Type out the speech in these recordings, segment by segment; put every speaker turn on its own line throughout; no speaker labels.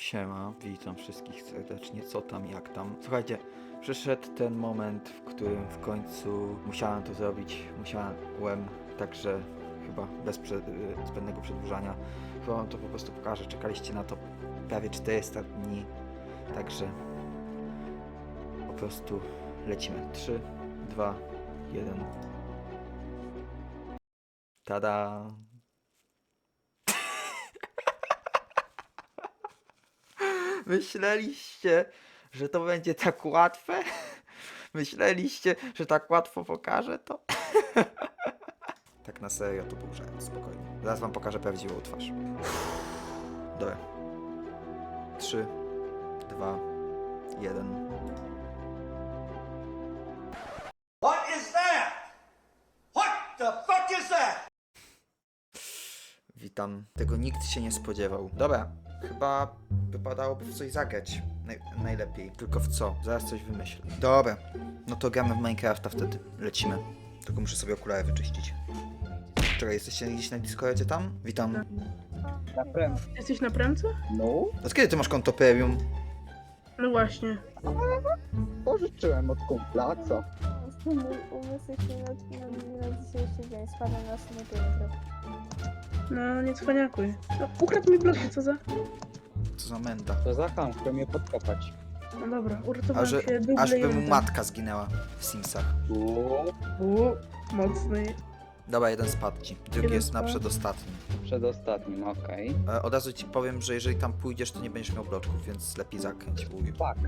Siema, witam wszystkich serdecznie, co tam, jak tam. Słuchajcie, przyszedł ten moment, w którym w końcu musiałem to zrobić, także chyba bez zbędnego przedłużania, chyba wam to po prostu pokażę, czekaliście na to prawie 400 dni, także po prostu lecimy. 3, 2, 1. Tada! Myśleliście, że to będzie tak łatwe? Myśleliście, że tak łatwo pokażę to? Tak na serio, to był żart, spokojnie. Zaraz wam pokażę prawdziwą twarz. Dobra. 3, 2, 1.
What is that? What the fuck is that?
Witam. Tego nikt się nie spodziewał. Dobra, chyba wypadałoby w coś zagrać. Najlepiej. Tylko w co? Zaraz coś wymyślę. Dobra, no to gramy w Minecrafta wtedy. Lecimy. Tylko muszę sobie okulary wyczyścić. Czekaj, jesteście gdzieś na Discordzie tam? Witam.
Na prem.
Jesteś na premce?
No,
Od kiedy ty masz konto premium?
No właśnie.
pożyczyłem od kumpla, co?
Mój umysł się na dzisiejszy dzień spada na sumie pieniędzy.
No, nie cwaniakuj. No, ukradł mi bloki, co za...
Co za menda.
To za ham, chce mnie podkopać.
No dobra,
A
uratowałem
że,
się
aż by mu
dublejentem.
matka zginęła w Simsach.
Mocny.
Dobra, jeden spadł ci. Drugi
Jeden
jest na
spadł.
przedostatnim.
Przedostatnim, okej.
Od razu ci powiem, że jeżeli tam pójdziesz, to nie będziesz miał bloczków, więc lepiej zakręć wuju.
Fuck.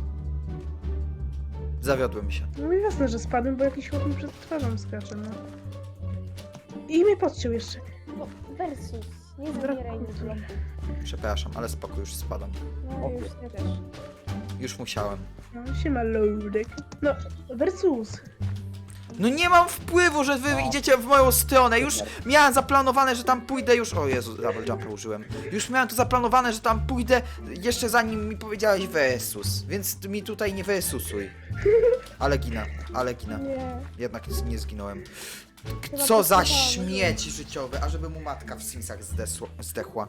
Zawiodłem się.
No i jasne, że spadłem, bo jakiś chłop mi przed twarzą skacze, no. I mnie podciął jeszcze.
Bo versus, nie zabieraj mi bloku.
Przepraszam, ale spoko, już spadam.
No już nie też.
Już musiałem.
No, siema, loadek. No, versus.
No nie mam wpływu, że wy idziecie w moją stronę. Już miałem zaplanowane, że tam pójdę już... O Jezu, double jumpa użyłem. Już miałem to zaplanowane, że tam pójdę jeszcze zanim mi powiedziałeś versus. Więc ty mi tutaj nie versusuj. Ale ginę, ale ginę.
Nie.
Jednak nie zginąłem.
Chyba
Co za
posłuchałam,
śmieć życiowe, ażeby mu matka w Simsach zdechła.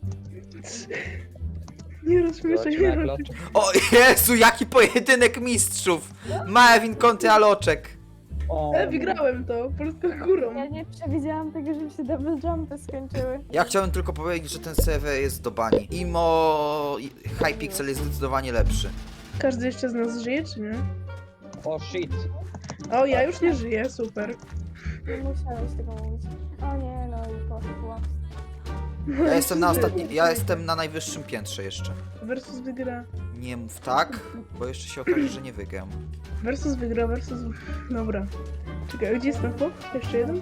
Nie rozśmieszaj
Zobaczymy
mnie.
jak loczek.
O Jezu, jaki pojedynek mistrzów! Marvin kontra Loczek.
O,
Wygrałem to, polską górą.
Ja nie przewidziałam tego, żeby się double jumpy skończyły.
Ja chciałem tylko powiedzieć, że ten serwer jest do bani. Imo Hypixel jest zdecydowanie lepszy.
Każdy jeszcze z nas żyje, czy nie?
o shit.
O, ja już nie żyję, super.
Nie musiałeś tego mówić. O nie, no i poszło.
Ja jestem na ostatnim, ja jestem na najwyższym piętrze jeszcze.
Versus wygra.
Nie mów tak, bo jeszcze się okaże, że nie wygram.
Versus wygra, versus... Dobra. Czekaj, gdzie jest ten chłop? Jeszcze jeden?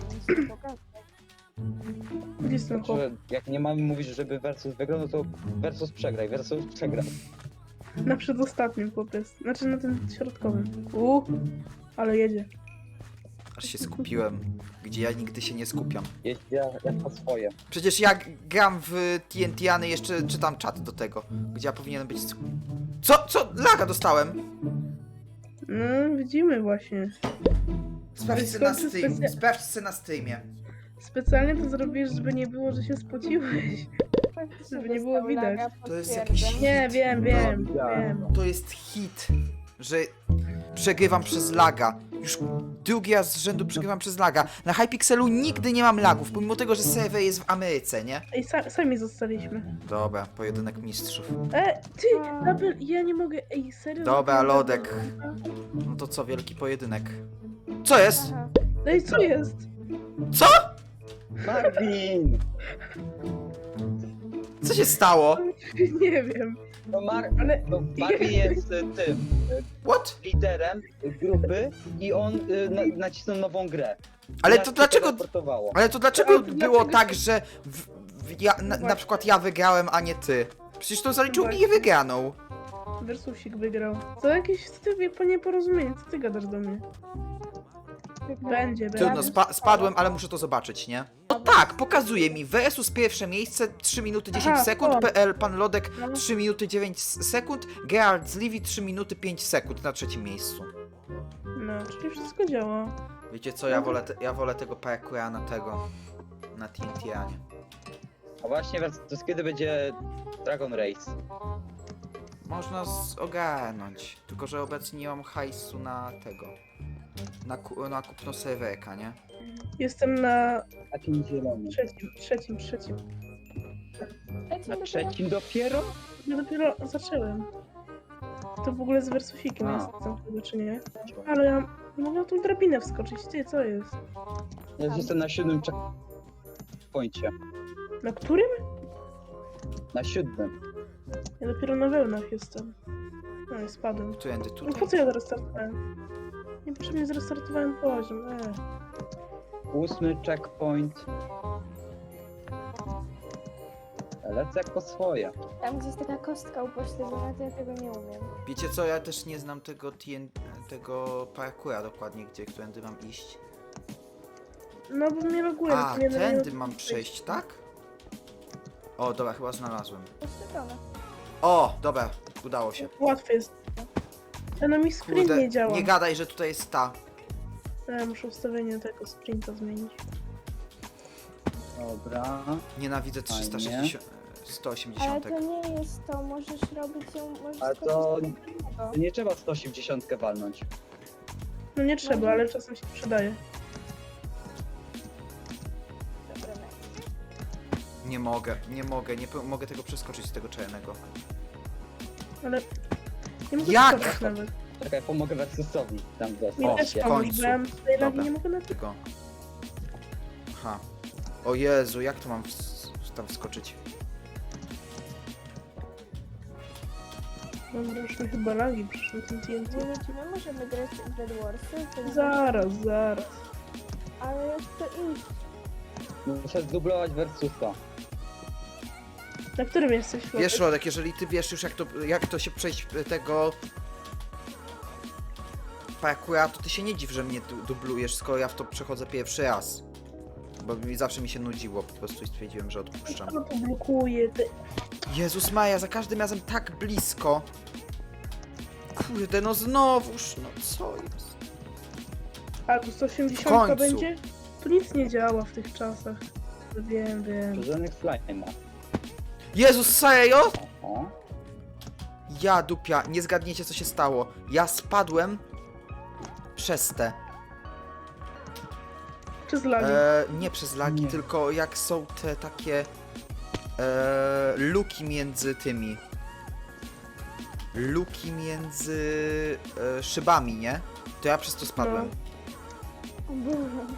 Gdzie jest ten chłop?
Znaczy, jak nie mamy mówić, żeby versus wygrał, no to versus przegraj, versus przegrał.
Na przedostatnim chłop jest. Znaczy na tym środkowym. Ale jedzie.
Aż się skupiłem, gdzie ja nigdy się nie skupiam.
Jedź jak na swoje.
Przecież ja gram w TNT-any, jeszcze czytam czat do tego, gdzie ja powinienem być... Co? Laga dostałem!
No, widzimy właśnie.
Sprawdź sobie na Steam, sprawdź sobie na Steamie.
Specjalnie to zrobisz, żeby nie było, że się spociłeś. Żeby nie było widać.
To jest jakiś-
Nie, wiem.
To jest hit, że przegrywam przez laga. Już drugi raz z rzędu przegrywam przez laga. Na Hypixelu nigdy nie mam lagów, pomimo tego, że serwer jest w Ameryce, nie?
Ej, sami zostaliśmy.
Dobra, pojedynek mistrzów.
Ty, double, ja nie mogę, ej, serio?
Dobra, Lodek. No to co, wielki pojedynek. Co jest?
Aha.
Ej, co jest?
Co?
Marvin!
Co się stało?
Nie wiem,
No,
ale...
Marvin jest tym
What?
liderem grupy i on nacisnął nową grę.
Ale
Jak
to
się
dlaczego...
teleportowało.
Ale to dlaczego
Ale to
było
dlaczego-
tak, że na przykład ja wygrałem, a nie ty? Przecież to zaliczył mi wygraną.
Versusik wygrał. Co jakieś nieporozumienie, co ty gadasz do mnie? Będzie.
Trudno, spadłem, ale muszę to zobaczyć, nie? No tak, pokazuje mi versus pierwsze miejsce 3 minuty 10
Aha,
sekund,
to.
PL Pan Lodek
No.
3 minuty 9 sekund, Gerard z Livy 3 minuty 5 sekund na trzecim miejscu.
No, czyli wszystko działa.
Wiecie co, ja wolę tego parkoura na TNT, a nie.
A właśnie, to kiedy będzie Dragon Race?
Można ogarnąć. Tylko, że obecnie nie mam hajsu na tego. Na kupno serwerka, nie?
Jestem na
Takim zielonym.
trzecim.
Na trzecim dopiero?
Ja dopiero zacząłem. To w ogóle z wersusikiem
A.
jestem chyba, czy nie? Ale ja nie mogę na tą drabinę wskoczyć. Ty, co jest?
Ja już jestem na 7 checkpoincie.
Na którym?
Na 7.
Ja dopiero na wełnach jestem. No i spadłem.
Tuędy
No
tutaj.
po co ja zrestartowałem? Niepotrzebnie zrestartowałem poziom.
8 checkpoint. Lecę jak po swoje.
Tam gdzieś taka kostka upośledzona, to ja tego nie umiem.
Wiecie co, ja też nie znam tego parkoura dokładnie, którędy mam iść.
No bo mnie loguje.
A,
to nie
tędy
daje-
mam przejść, tak? O, dobra, chyba znalazłem.
Pośledzone.
O, dobra, udało się.
Łatwe jest. A no mi sprint
Kurde,
nie działa.
nie gadaj, że tutaj jest ta.
Muszę ustawienie tego sprinta zmienić.
Dobra.
Nienawidzę
Fajnie.
360...
Ale
180.
to nie jest to, możesz robić ją, możesz
Ale
skoczyć
to-
do innego.
Nie trzeba 180 walnąć.
No nie trzeba, ale czasem się przydaje.
Dobra, nice.
Nie mogę tego przeskoczyć z tego czarnego.
Ale nie mogę
Jak?
skoczyć nawet.
Czekaj, pomogę Versusowi tam
Mi
dostać.
też
w
pomóc,
końcu.
bo ja mam tutaj lagi,
Dobra.
nie mogę na to.
Tego. Aha. O Jezu, jak to mam tam wskoczyć?
Dobra, już mi chyba lagi przyszły tym TNT.
Nie wiem, czy my możemy grać w Bed Warsy,
Zaraz.
ale jak to iść?
Muszę zdublować Versusa.
Na którym jesteś?
Wiesz, Rodek, jeżeli ty wiesz już jak to się przejść tego parkoura, to ty się nie dziw, że mnie dublujesz, skoro ja w to przechodzę pierwszy raz. Bo zawsze mi się nudziło po prostu i stwierdziłem, że odpuszczam.
No to blokuje.
Jezus Maja, za każdym razem tak blisko. Kurde, no znowuż, no co jest?
A tu
W
180
końcu.
będzie? Tu nic nie działa w tych czasach. Wiem.
Żadnych slime'a.
Jezus, serio?
O.
Ja dupia, nie zgadniecie co się stało. Ja spadłem przez te.
Czy z lagi?
Nie przez lagi,
Nie.
tylko jak są te takie luki między tymi. Luki między szybami, nie? To ja przez to spadłem.
O Boże.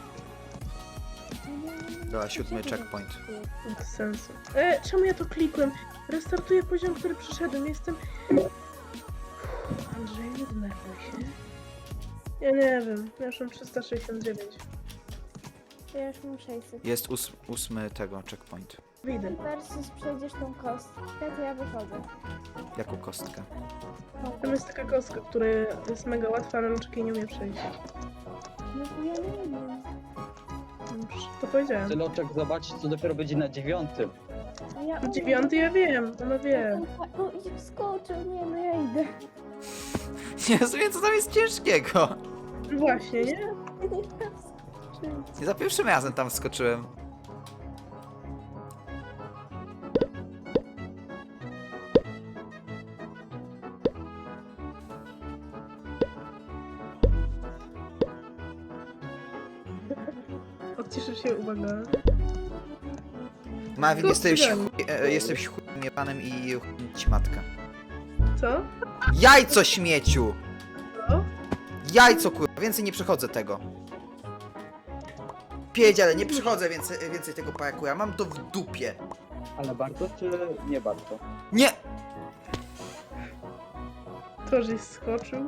Dobra, 7 checkpoint.
Bez sensu. Czemu ja to klikłem? Restartuję poziom, który przyszedłem. Jestem... Andrzej, nie denerwuj się. Ja nie wiem. Ja już mam 369.
Ja już mam 600.
Jest 8 tego checkpoint.
Wyjdę.
Versus przejdziesz tą kostkę, to ja wychodzę.
Jaką kostkę?
Tam jest taka kostka, która jest mega łatwa, ale Luczki nie umie przejść.
No bo ja nie wiem.
To powiedziałem.
Tyloczek, zobaczyć co dopiero będzie na 9.
Ja...
9 ja wiem, ona wie.
No i wskoczył, nie, no ja idę.
Nie rozumiem co tam jest ciężkiego.
Właśnie, nie?
Ja nie chcę wskoczyć.
Nie za pierwszym razem tam wskoczyłem.
Odciszę się, uwaga.
Marvin,
To
jesteś
wstydzę.
jesteś chudym jebanem i ci matka.
Co?
Jajco śmieciu!
Co?
Jajco kurwa, więcej nie przechodzę tego. Pierdziele, nie przechodzę więcej tego parkoura, mam to w dupie.
Ale bardzo czy nie bardzo?
Nie!
To, żeś skoczył.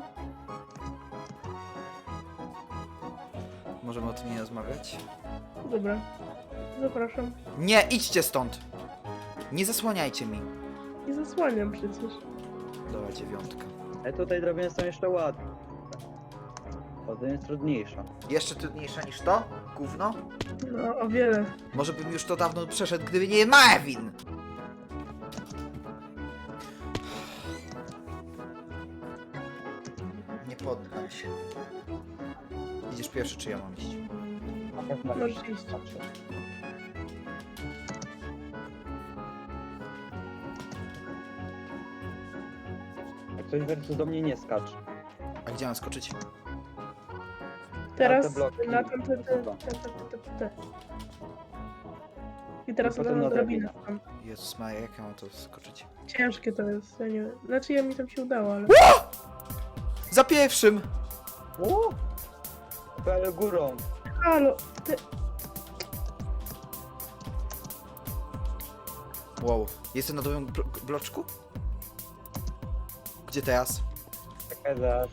Możemy o tym nie rozmawiać?
Dobra. Zapraszam.
Nie, idźcie stąd! Nie zasłaniajcie mi.
Nie zasłaniam przecież.
Dobra, 9.
Ale tutaj drabiny są jeszcze ładne. Potem jest trudniejsza.
Jeszcze trudniejsza niż to? Gówno?
No, o wiele.
Może bym już to dawno przeszedł, gdyby nie Marvin! Nie poddam się. Idziesz pierwszy, czy ja mam iść?
Na pewno
Możesz iść.
Jak coś versus do mnie nie skacz.
A gdzie mam skoczyć?
Teraz
te bloki.
na ten. I teraz
I potem
na
na
drabinę tam.
Jezus Maria, jak ja mam to skoczyć?
Ciężkie to jest, ja nie wiem. Znaczy ja mi tam się udało, ale...
Za pierwszym!
O! Ale górą.
Halo, ty...
Wow, jestem na drugim bloczku? Gdzie teraz?
Czekaj, zaraz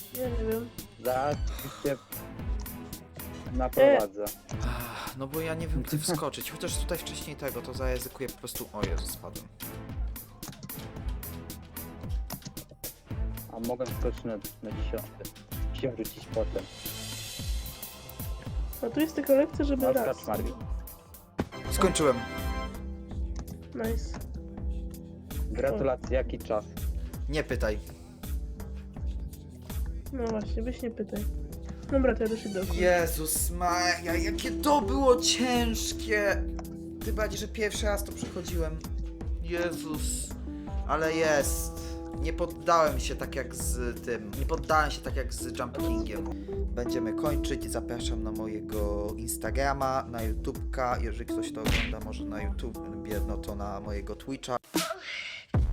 cię naprowadzę.
No bo ja nie wiem gdzie wskoczyć, chociaż tutaj wcześniej tego, to zaryzykuję po prostu... O Jezu, spadłem.
A mogę skoczyć na 10. Się wrócić potem.
A tu jest tylko lekcja, żeby
No,
raz.
skacz, Marvin.
Skończyłem.
Nice.
Gratulacje, jaki czas?
Nie pytaj.
No właśnie, weź nie pytaj. Dobra, to ja też idę.
Jezus Maria, jakie to było ciężkie! Tym bardziej, że pierwszy raz to przechodziłem. Jezus. Ale jest. Nie poddałem się tak jak z tym. Nie poddałem się tak jak z Jump Kingiem. Będziemy kończyć. Zapraszam na mojego Instagrama, na YouTubka. Jeżeli ktoś to ogląda może na YouTubie, no to na mojego Twitcha.